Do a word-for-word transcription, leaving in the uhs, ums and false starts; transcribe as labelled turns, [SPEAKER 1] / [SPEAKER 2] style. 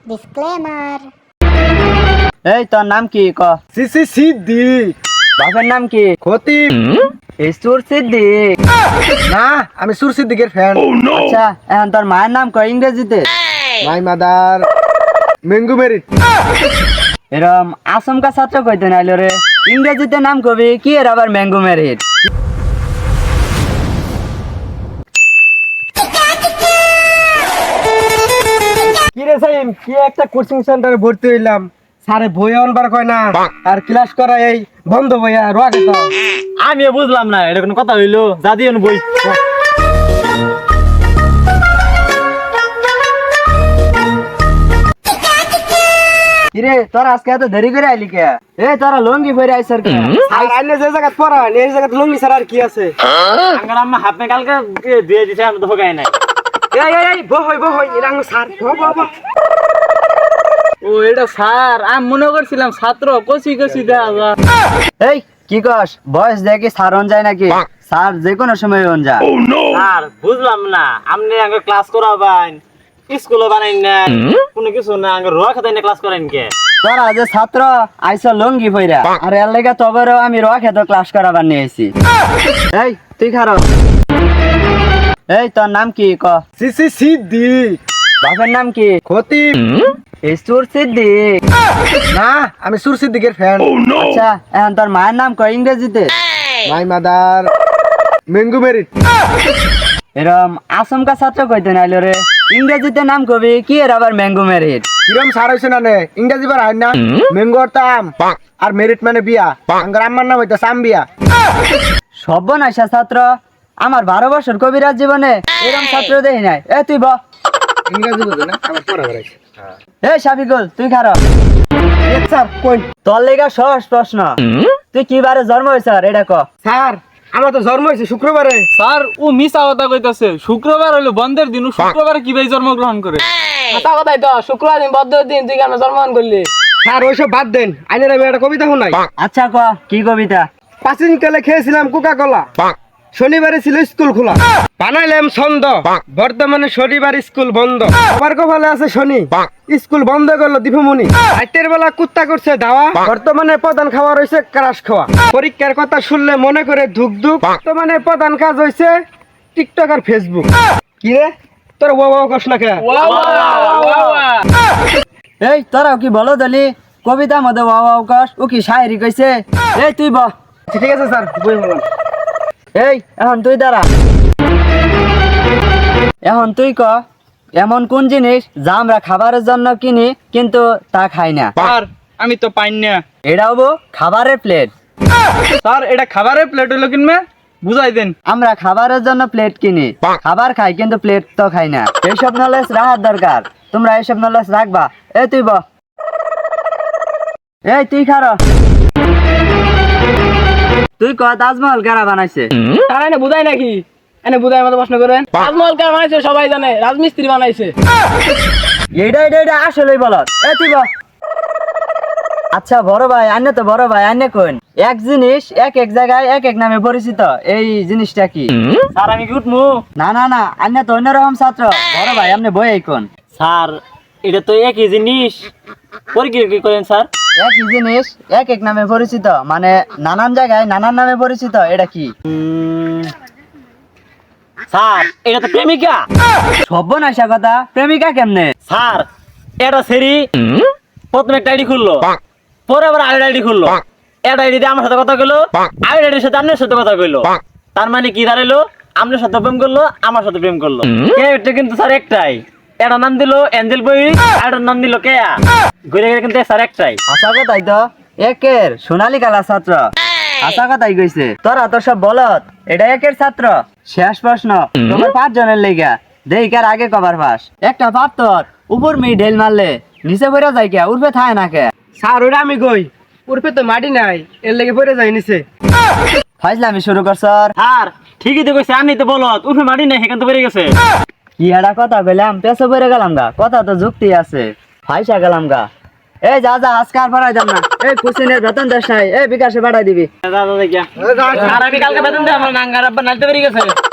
[SPEAKER 1] Disclaimer.
[SPEAKER 2] এই তোর নাম কি ক?
[SPEAKER 3] সিসি সিদ্দিক।
[SPEAKER 2] বাপের নাম কি?
[SPEAKER 3] খতিব।
[SPEAKER 2] ইসুর সিদ্দিক।
[SPEAKER 3] না, আমি সুর সিদ্দিকের ফ্যান।
[SPEAKER 2] আচ্ছা এখন তোর মায়ের নাম ক ইংরেজিতে?
[SPEAKER 3] My mother mango merit.
[SPEAKER 2] এরম আসমকা ছাত্র কইতে নাইলো রে, ইংরেজিতে নাম কবি কি এর আবার ম্যাঙ্গো মেরিট?
[SPEAKER 3] কি রে সাইম, কি একটা কোচিং সেন্টারে ভর্তি হইলাম, স্যারে বই আনবার কয় না আর ক্লাস করা এই বন্ধ বইয়া রোয়াকে তো
[SPEAKER 4] আমি বুঝলাম না এটা কোনো কথা হইলো, যা দিয়ে বই।
[SPEAKER 2] কিরে তোর আজকে এত দেরি করে আইলি কে? এ তোরা লঙ্গি পরে আইছর কে?
[SPEAKER 3] আর আইনে যে জায়গা পড়া এই জায়গা লঙ্গি ছাড়া আর কি আছে?
[SPEAKER 4] আঙ্গার আম্মা হাফ মে কালকে দিয়ে দিছে, আমি তো ভোগাই নাই।
[SPEAKER 3] এই এই এই বহ হই বহ হই এরাঙ্গ স্যার বহ বহ বহ।
[SPEAKER 4] ও এটা স্যার, আমি মনে করছিলাম ছাত্র, কচি কচি দেখা যায়।
[SPEAKER 2] এই কি কস? বয়স দেখি স্যার হন যায় নাকি? স্যার যে কোনো সময় হন যা।
[SPEAKER 4] স্যার বুঝলাম না, আপনি আগে ক্লাস করাবেন, স্কুলে বানাইন না, কোনো কিছু না, আগে রোয়া খাতাই না ক্লাস করেন কে?
[SPEAKER 2] তোরা যে ছাত্র আইছ লঙ্গি পইরা, আর এর লেগে তবেরও আমি রোয়া খেত ক্লাস করাবার নিয়ে আইছি। এই তুই খারো। এই তোর নাম কি ক?
[SPEAKER 3] সিসি সিদ্দিক।
[SPEAKER 2] বাপের নাম কি?
[SPEAKER 3] খতিব।
[SPEAKER 2] ইসুর সিদ্দিক।
[SPEAKER 3] না, আমি সুর সিদ্দিকের ফ্যান।
[SPEAKER 2] আচ্ছা এখন তোর মায়ের নাম ক ইংরেজিতে?
[SPEAKER 3] My mother mango merit.
[SPEAKER 2] এরম আসমকা ছাত্র কইতে নাইলো রে, ইংরেজিতে নাম কবি কি এর আবার ম্যাঙ্গো মেরিট?
[SPEAKER 3] কিরম সার হইছে না নে ইংরেজি বার হয় না? ম্যাঙ্গো অর্থ আম আর মেরিট মানে বিয়া। আঙ্গার আম্মার নাম হইতো সাম বিয়া।
[SPEAKER 2] সর্বনাশা ছাত্র, আমার বারো বছর কবিরাজ জীবনে এরম ছাত্র দেখি নাই। এ তুই ব।
[SPEAKER 3] ইংরেজি বুঝো না, আমার পড়া বেড়াইছে।
[SPEAKER 2] এই শাফিকুল তুই খারো।
[SPEAKER 3] স্যার কোন?
[SPEAKER 2] তোর লেগা সহজ প্রশ্ন, তুই কি বারে জন্ম হয়েছ এটা ক?
[SPEAKER 3] স্যার আমার তো জন্ম হয়েছে শুক্রবারে।
[SPEAKER 4] স্যার ও মিছা কথা কইতাছে, শুক্রবার হইলো বন্ধের দিন, ও শুক্রবারে কিভাবে জন্মগ্রহণ করে?
[SPEAKER 5] কথা কথাই তো শুক্রবার দিন বদ্ধ দিন তুই কেন জন্মগ্রহণ করলি?
[SPEAKER 3] স্যার ওইসব বাদ দেন, আইনের আমি একটা কবিতা শুনাই।
[SPEAKER 2] আচ্ছা ক কি কবিতা?
[SPEAKER 3] প্রাচীন কালে খেয়েছিলাম কোকা কোলা, শনিবারে ছিল স্কুল খোলা, বানাইলাম ছন্দ, বর্তমানে শনিবার স্কুল বন্ধ। আবার কপালে আছে শনি, স্কুল বন্ধ করলো দীপমণি। রাতের বেলা কুত্তা করছে ধাওয়া, বর্তমানে প্রধান খাওয়া রয়েছে ক্রাশ খাওয়া। পরীক্ষার কথা শুনলে মনে করে ধুক ধুক, বর্তমানে প্রধান কাজ হয়েছে টিকটক আর ফেসবুক। কি রে তোর ও বাবা কস না কে?
[SPEAKER 2] এই তোরাও কি বলো দলি কবিতা মধ্যে ওয়াও ওয়াও কস, ও কি শায়েরি কইছে? এই তুই ব।
[SPEAKER 3] ঠিক আছে স্যার বই বললাম।
[SPEAKER 2] এই এখন তুই দাঁড়া। এখন তুই ক এমন কোন জিনিস যা আমরা খাবারের জন্য কিনি কিন্তু তা খাই না?
[SPEAKER 4] স্যার আমি তো পাই না।
[SPEAKER 2] এটা হবো খাবারের প্লেট।
[SPEAKER 4] স্যার এটা খাবারের প্লেট হইলো কিনবে, বুঝাই দেন।
[SPEAKER 2] আমরা খাবারের জন্য প্লেট কিনি, খাবার খাই কিন্তু প্লেট তো খাই না। এইসব নলেজ রাখার দরকার, তোমরা এইসব নলেজ রাখবা। এই তুই ব। এই তুই খারো। তুই ক তাজমহল কারা বানাইছে?
[SPEAKER 5] তারা এনে বুঝাই নাকি? এনে বুঝাই মতো প্রশ্ন করেন। তাজমহল কে বানাইছে সবাই জানে, রাজমিস্ত্রি বানাইছে।
[SPEAKER 2] এইটা এইটা এইটা আসলেই বল। এই তুই ব। আচ্ছা বড় ভাই আন্য তো বড় ভাই আন্য কোন এক জিনিস এক এক জায়গায় এক এক নামে পরিচিত, এই জিনিসটা কি?
[SPEAKER 4] স্যার আমি কি উঠমু?
[SPEAKER 2] না না না আন্য তো অন্যরকম ছাত্র। বড় ভাই আপনি বই কোন?
[SPEAKER 4] স্যার এটা তো একই জিনিস, পরীক্ষা কি করেন স্যার?
[SPEAKER 2] একই জিনিস এক এক নামে পরিচিত, মানে নানান জায়গায় নানান নামে পরিচিত, এটা কি?
[SPEAKER 4] উম, স্যার এটা তো প্রেমিকা।
[SPEAKER 2] সর্বনাশা কথা, প্রেমিকা কেমনে?
[SPEAKER 4] স্যার এটা সেরি প্রথমে একটা আইডি খুললো, পরে আবার আরেকটা আইডি খুললো, একটা আইডি দিয়ে আমার সাথে কথা কইলো, আরেকটা আইডির সাথে আপনার সাথে কথা কইলো। তার মানে কি দাঁড়াইলো, আপনার সাথে প্রেম করলো, আমার সাথে প্রেম করলো। এটা কিন্তু স্যার একটাই, এটার নাম দিল এঞ্জেল বই, আরেকটার নাম দিল কেয়া। ঘুরে গেলে কিন্তু স্যার একটাই।
[SPEAKER 2] আশা কথাই তো একের সোনালী কালা ছাত্র। আশা কথাই কইছে তোরা তো সব বলত, এটা একের ছাত্র। শেষ প্রশ্ন তোমার পাঁচ জনের লেগা, দেখার আগে কবার পাস। একটা পাত্তর উপর মেয়ে ঢেল মারলে নিচে পড়ে যায় কে, উঠবে থায় না কে?
[SPEAKER 3] স্যার ওটা আমি কই, উর্ফে তো মাটি নাই, এর লেগে পড়ে যায় নিচে।
[SPEAKER 2] ফাইজলামি শুরু করছ।
[SPEAKER 4] আর ঠিকই তো কইছে, আমি তো বলত উঠে মারি নাই, সেখান তো বেড়ে গেছে।
[SPEAKER 2] কি একটা কথা বললাম, পেছো পড়ে গেলাম গা, কথা তো যুক্তি আছে, ফাইসা গেলাম গা। এই যা যা আজকে আর পাঠাই দাম না, এই কুসিনের বেতন দেশ নাই, এই বিকাশে পাঠাই দিবি।
[SPEAKER 4] দাদা দেখিয়া, আর আমি কালকে বেতন দেয় আমার নাঙ্গার আব্বা নাইতে বেরিয়ে গেছে।